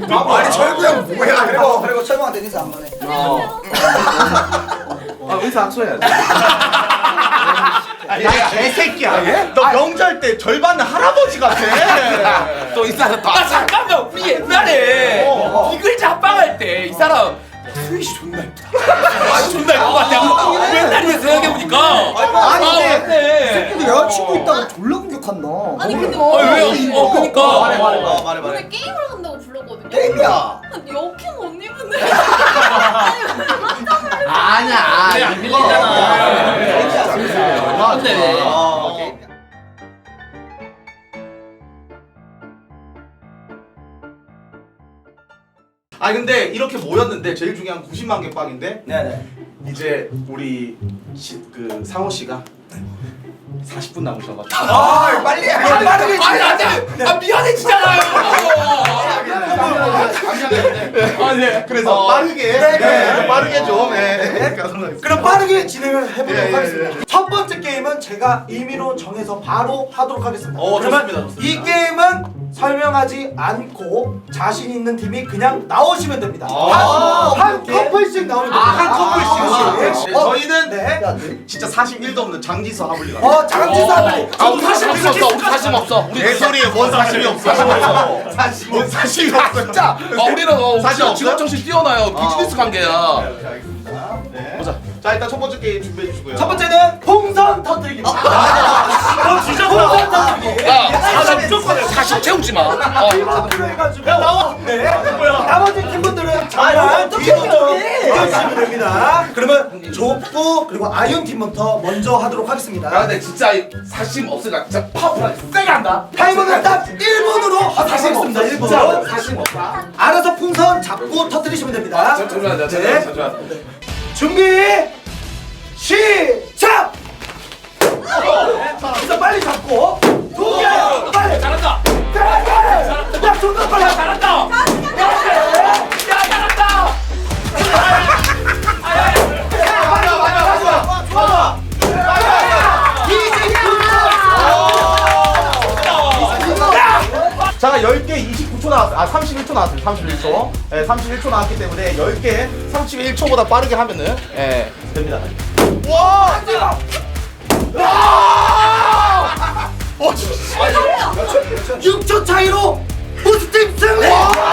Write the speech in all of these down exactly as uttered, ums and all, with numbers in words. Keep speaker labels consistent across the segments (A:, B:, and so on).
A: 아니 철구 형 뭐야?
B: 그리고 그리고 철구한테 인사 한 번 해.
C: 아 의사 안 써야 돼.
D: 야 개새끼야. 너 명절 때 절반은 할아버지 같아.
C: 또 의사 또.
E: 아 잠깐만 우리 옛날에
D: 어.
E: 이글자 합방할 때 이 사람 스윗이 존나 예쁘다. 아 존나 예쁜 것 같아. 옛날에 생각해보니까.
B: 아니 근데
E: 맞네.
B: 근데 여자친구 있다고 졸라 공격한다.
F: 아니 근데
E: 어 왜요? 어 그니까.
D: 말해 말해 어, 말해 말해.
F: 오늘 게임을 한다고 불렀거든요.
B: 게임이야.
F: 역행 언니분들.
C: 아니야.
E: 그래 안 밀리잖아.
D: 근데 아 근데 이렇게 모였는데 제일 중요한 구십만 개 빵인데
B: 네네.
D: 이제 우리 시, 그 상호 씨가 사십 분 남으셔가지고
B: 아 빨리 해. 빠르게
E: 아니 안돼. 아 미안해지잖아요.
D: 아, 네. 그래서
E: 어.
D: 빠르게
B: 네, 네.
D: 네, 빠르게 좀 네.
B: 그럼 빠르게 진행을 해보도록
D: 예, 예,
B: 하겠습니다.
D: 예.
B: 첫 번째 게임은 제가 임의로 정해서 바로 하도록 하겠습니다.
D: 어,
B: 그러면
D: 좋습니다, 좋습니다.
B: 이 게임은 설명하지 않고 자신 있는 팀이 그냥 나오시면 됩니다.
D: 아,
B: 한, 한 커플씩 나오면 됩니다.
D: 한 커플씩.
B: 네.
D: 어, 저희는
B: 네.
D: 진짜 사십일도 없는 장지서 하블리가
B: 어, 장지사 빨리.
E: 아 우리 사심 없어. 우리 사심 없어. 우리
D: 내 소리에 뭔 사심이 없어.
B: 사실
D: 뭔 사심이 없어.
E: 진짜. 어 우리는 어
D: 사심
E: 진짜
D: 없어요?
E: 직업 정신 뛰어나요. 비즈니스 관계야.
D: 네, 알겠습니다. 네. 보자. 자 일단 첫 번째 게임 준비해 주시고요.
B: 첫 번째는 풍선 터뜨리기입니다. 아, 진짜 풍선 터뜨리기.
E: 야 사심 사심 채우지 마. 어.
B: 팀워크로 해가지고 나와. 네. 나머지 팀분들은 정말 뒤부터 이겨주시면 됩니다. 그러면 족구 그리고 아윤 팀부터 먼저 하도록
E: 야
B: 하겠습니다.
E: 근데 진짜 이 사심 없으니까 진짜 파워풀하게 세게 한다.
B: 타이머는 딱 일 분으로 하도록 하겠습니다. 일 분으로.
E: 사심 없다.
B: 알아서 풍선 잡고 터뜨리시면 됩니다.
E: 잠시만
B: 네.
E: 잠시만 잠시만.
B: 준비 시작! 자, 빨리 잡고 두 개! 빨리!
E: 잘한다.
B: 잘한다! 야, 존나 빨리!
E: 잘한다. 야 잘한다.
D: 자 열 개 이십구 초 나왔어요. 아 삼십일 초 나왔어요. 삼십일 초. 네, 삼십일 초 나왔기 때문에 열 개 삼십일 초보다 빠르게 하면은 예, 됩니다. 와! 와! 어,
B: 육 초 차이로 우스팀 승리!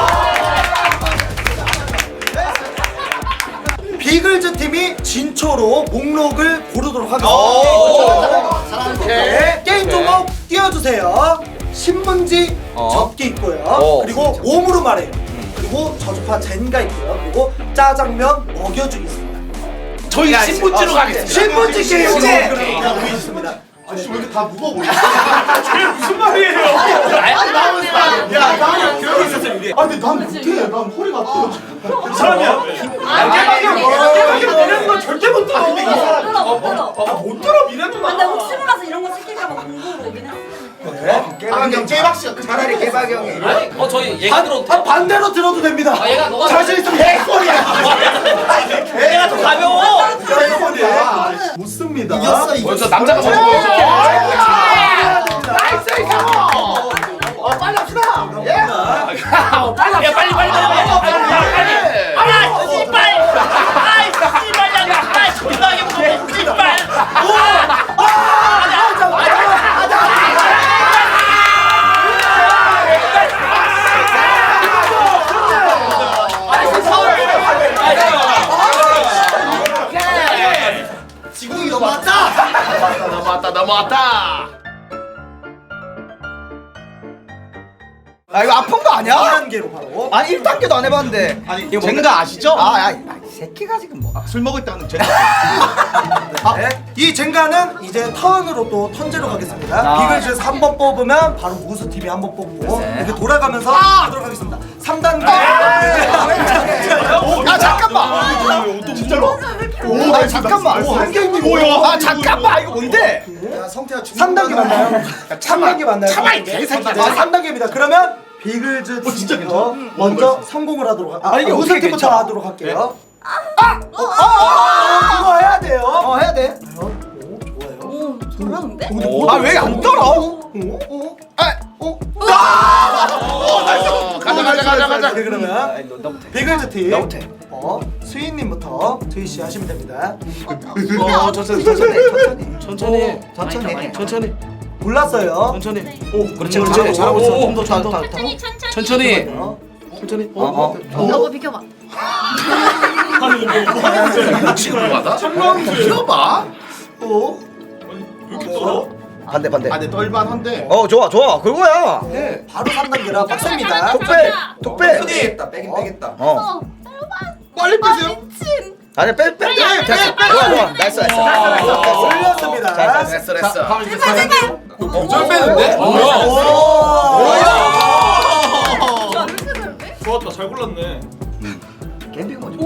B: 비글즈 팀이 진초로 목록을 고르도록 하겠습니다. 네, 게임 종목 띄워주세요. 신문지
E: 어.
B: 접기 있고요.
E: 어.
B: 그리고 몸으로 말해요. 그리고 저주파 젠가 있고요. 그리고 짜장면 먹여주기 있습니다.
E: 저희 신분지로 가겠습니다.
B: 신문지 게임
E: 신문지
B: 그럼 있습니다.
D: 아씨 왜 이렇게 다 무거워 보이지?
E: 무슨 말이에요?
D: 야, 나는 그러고 있었어 이게. 아, 근데 난 못해. 난 허리가 아파.
F: 사람이야.
B: 개박이야. 내려는 건 절대 못 들어.
F: 못 들어 못 들어.
B: 못 들어 미래도
F: 근데 혹시 몰라서 이런 거 시킬까봐 공부를 오긴 했어.
D: 아, 근데 깨박 씨가 차라리 깨박 형이.
E: 아니 어 저희 얘가 들어도
B: 아, 반대로 들어도 됩니다.
E: 아 얘가 너가
B: 자신 있으면 개소리야.
E: 얘가 더 가벼워.
B: 개소리야. 못 씁니다. 이겼어
E: 먼저 남자가 먼저 보여줘.
B: 나이스 이상호. 어 빨리 합시다.
E: 야 빨리 빨리 빨리 빨리. 아야 씨발. 아이 씨발야 야. 아이 존나게 무서워. 씨발.
B: 지궁이 넘어왔다.
E: 넘어왔다 넘어왔다 넘어왔다.
A: 아 이거 아픈 거 아니야?
B: 이 단계로 바로.
A: 아니 일 단계도 안 해봤는데.
D: 아니, 젠가 아시죠?
A: 아, 야, 이 새끼가 지금 뭐?
D: 술 먹을 때 하는 젠가.
B: 네. 이 젠가는 이제 턴으로 또 턴제로 가겠습니다.
A: 아.
B: 비글즈에서 한 번 뽑으면 바로 무스 팀이 한 번 뽑고
A: 네.
B: 이렇게 돌아가면서 하도록 하겠습니다. 삼 단계.
A: 아 잠깐만.
D: 진짜로?
A: 오, 아 잠깐만.
B: 한 개인데
D: 뭐야?
A: 아 잠깐만. 이거 뭔데?
B: 삼 단계 맞나요? 삼 단계 맞나요?
E: 참아, 이 개새끼들.
B: 아, 삼 단계입니다. 그러면 비글즈
D: 어, 진짜
B: 팀부터
D: 괜찮아?
B: 먼저 성공을 하도록 하, 아,
A: 아, 이게
B: 우승
A: 어떻게
B: 팀부터
A: 괜찮아?
B: 하도록 할게요. 아! 어, 어, 어, 이거 해야 돼요.
A: 어 해야 돼.
B: 오, 좋아요.
F: 오 잘하는데?
A: 아 왜 안 떨어?
B: 어? 어?
A: 아,
B: 어?
D: 가자 가자 가자 가자.
B: 네, 그러면
A: 너부터.
B: 비글즈 팀.
A: 너부터.
B: 어, 수인님부터 수인 씨 하시면 됩니다.
D: 어 천천히 천천히
A: 천천히.
D: 천천히
A: 천천히.
D: 천천히
B: 골랐어요.
D: 천천히.
A: 오, 그렇지, 그렇지.
D: 잘하고 있어. 좀더
A: 자,
D: 좀 더.
A: 자, 자.
F: 천천히 천천히.
D: 천천히
B: 어,
D: 천천히.
A: 어, 어.
F: 너거 비켜봐.
D: 지금 받아? 키워봐.
B: 오.
A: 반대, 반대.
D: 아내 떨만한데.
A: 어, 좋아, 좋아. 그거야.
B: 네, 바로 삼 단계라 빡셉니다.
A: 독배, 독배.
C: 빼겠다 빼긴 빼겠다.
A: 어.
F: 어.
D: 빨리 빼세요.
F: 미친.
A: 아니, 빼, 빼, 빼.
F: 빼,
A: 됐어.
F: 빼, 빼.
A: 좋아, 좋아. 나이스, 나이스.
B: 올렸습니다.
D: 됐어 됐어.
F: 제발 제발.
D: 절 빼는데? 뭐야?
F: 야 이렇게 되는데?
E: 좋았다 잘 골랐네.
A: 캠핑 뭐지?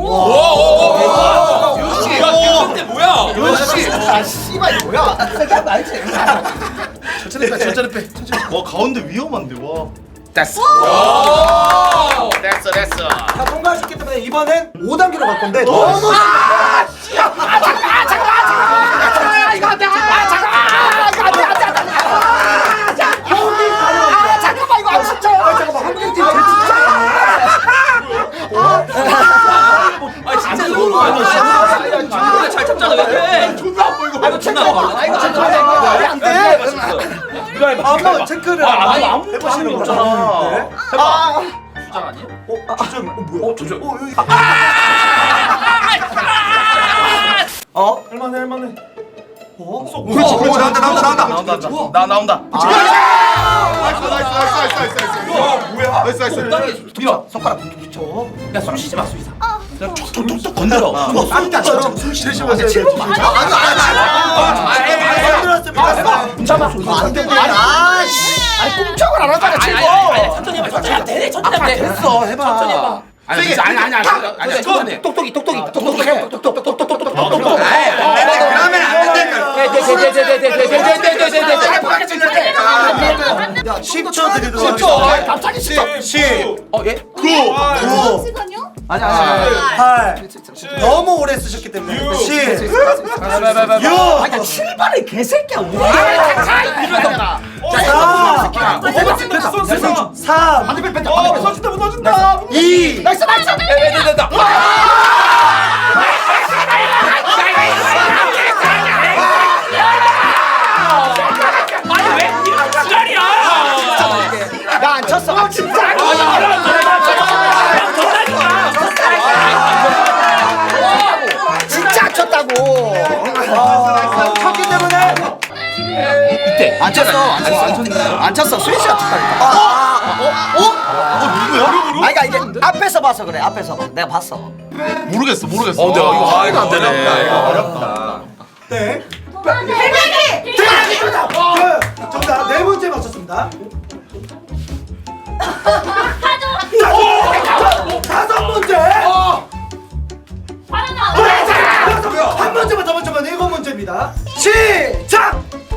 D: 역시.
E: 근데 뭐야?
D: 역시.
A: 아, 씨발, 이거 뭐야? 생각 알지?
D: 천천히 빼 천천히 빼. 천천히. 와 가운데 위험한데 와.
A: 됐어.
D: 됐어 됐어.
B: 자, 통과하셨기 때문에 이번엔 오 단계로 갈 건데 너무
A: 잠깐만, 이거 아, 진짜. 아, 잠깐만. 한국팀 진짜.
E: 아 진짜 너무 많이 진짜 잘 참잖아 왜 그래?
D: 존나 안 보이고.
A: 아이고, 체크해봐. 아이고, 체크해봐. 이거 안 돼.
B: 한번 체크를
E: 아니,
B: 안
E: 아무것도
B: 해보시는
E: 하는 게
B: 거죠.
E: 없잖아.
B: 네.
A: 아,
E: 주장 아니야?
B: 어, 주점, 어, 뭐야?
E: 어 주장.
B: 어, 여기.
A: 어?
E: 할만해 할만해.
B: 어?
D: 그렇지 그렇지 나온다 나온다 나온다 나온다 나 나온다. 나이스 나이스 나이스 나이스 나이스. 와 뭐야? 나이스 나이스.
A: 밀어. 손가락.
E: 야숨 쉬지 마 수이사.
D: 톡톡톡 건드려.
B: 뭐 쌈가처럼 숨 쉬시면서
A: 칠번 맞아.
B: 아니 아니 아니
A: 잡아. 안 되네. 아, 씨. 아니, 꼼짝을 안 하잖아,
E: 아니
A: 칠번.
E: 아니 아니 천천히 해봐 천천히 해봐 돼 천천히 해봐 돼.
A: 됐어, 해봐.
E: 천천히 해봐.
D: 아니 아니 아니 아니 아니 천천히.
A: 똑똑이, 똑똑이, 똑똑해. 똑똑똑똑똑똑똑똑똑.
D: 그러면 안 된다.
B: 야 십 초 드리도록
A: 십 초.
B: 하겠습니다.
A: 갑자기 십 초.
B: 십,
E: 어 예?
B: 구,
F: 시간이요?
A: 아니, 아니.
B: 팔. 너무 오래 쓰셨기 때문에 십, 육,
A: 아니, 칠 번을 개새끼야.
B: 사, 삼,
A: 반대편 뺀다.
E: 어
A: 반대편.
E: 무너진다 무너진다.
B: 이.
A: 나이스, 나이스.
E: 됐다 됐다. 아니 왜 이런 지랄이야?
A: 나 안 쳤어. 아, 진짜. 진짜 안 쳤다고.
B: 쳤기 때문에
A: 이때 안 쳤어. 안 쳤어. 안 쳤네. 안 쳤어. 스위치가 쳤다니까. 어? 어? 누구야? 아니, 그러니까 이게 앞에서 봐서 그래. 앞에서 봐. 내가 봤어.
D: 모르겠어 모르겠어.
E: 어, 근데 이거 하나도 안 되네.
D: 어렵다.
B: 네.
F: 대박이.
B: 그, 정답 네 문제 맞췄습니다. 다섯 문제. 한 문제만 더 맞추면 일곱 문제입니다. 시작.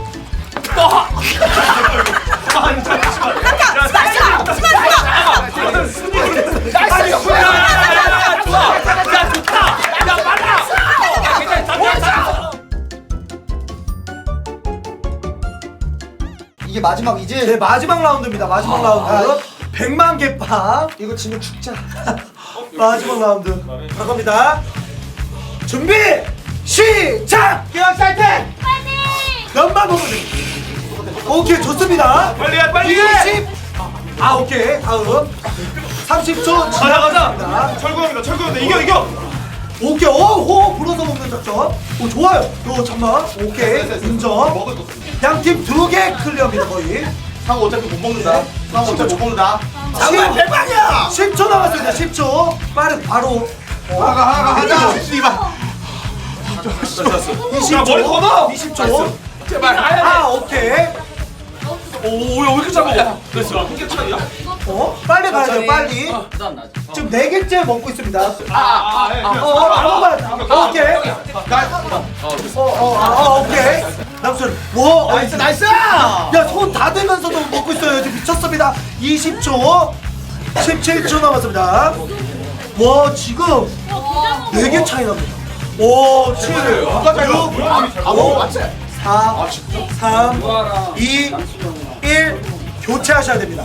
A: 이게 마지막이지?
B: 네 마지막 라운드입니다. 마지막 라운드. 백만 개 팝. 이거 지면 죽자. 마지막 라운드. 가갑니다. 준비 시작. 기억 사이트. 몇만 보면 됩니다. 오케이 좋습니다.
E: 빨리 해 빨리 해.
B: 이십. 아 오케이 다음. 삼십 초
E: 가자 가자.
B: 지났습니다.
E: 철구형이다 철구형이다 이겨 이겨.
B: 오케이 오호 불어서 먹는 작전. 오 좋아요. 오 잠만. 오케이 인정. 양팀 두 개 클리어입니다 거의.
D: 상호 어차피 못 먹는다. 상호 어차피 못 먹는다.
B: 장난 대박이야. 십 초 남았습니다. 십 초. 빠른 바로.
D: 하가 하가 하자. 씨발.
B: 이십 초.
E: 머리 걷어.
B: 이십 초.
E: 제발.
B: 아 오케이.
E: 오야 왜 이렇게 잘 먹어? 됐어. 한개 차이야?
B: 어 빨리 가야 돼요 빨리. 지금 네 개째 먹고 있습니다.
E: 아아
B: 어 아무거나. 오케이. 어어 오케이. 남순. 와 나이스 나이스. 야손 다 대면서도 먹고 있어요. 지금 미쳤습니다. 이십 초. 십칠 초 남았습니다. 와 지금 네 개 차이 납니다. 오 칠, 육, 오, 사, 삼, 이, 일. 교체하셔야 됩니다.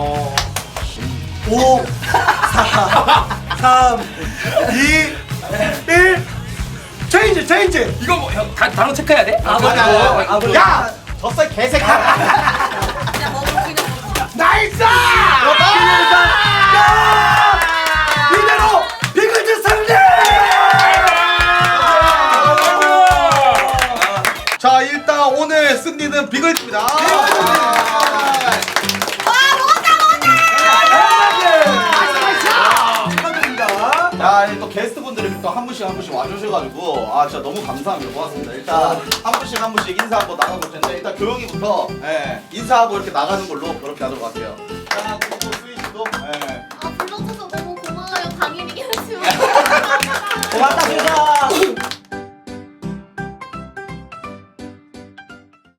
B: 오, 사, 삼, 이, 일. 체인지, 체인지.
E: 이거 뭐 형, 다 단어 체크해야 돼?
B: 아,
D: 야! 야! 졌어 개새끼야.
F: 그냥 먹어 그냥 먹어.
D: 나이스!
B: 이대로 비글즈 승리!
D: 자 일단 오늘 승리는 비글즈입니다.
F: 와 먹었다
B: 축하드립니다.
D: 야, 또 게스트분들이 또 한 분씩 한 분씩 와주셔가지고 아 진짜 너무 감사합니다. 고맙습니다. 일단 한 분씩 한 분씩 인사하고 나가볼 텐데 일단 교영이부터 예, 인사하고 이렇게 나가는 걸로 그렇게 하도록 할게요. 자, 그리고 수희 씨도 예.
F: 아 불러줘서 너무 고마워요. 당연히 해야죠.
A: 고맙다.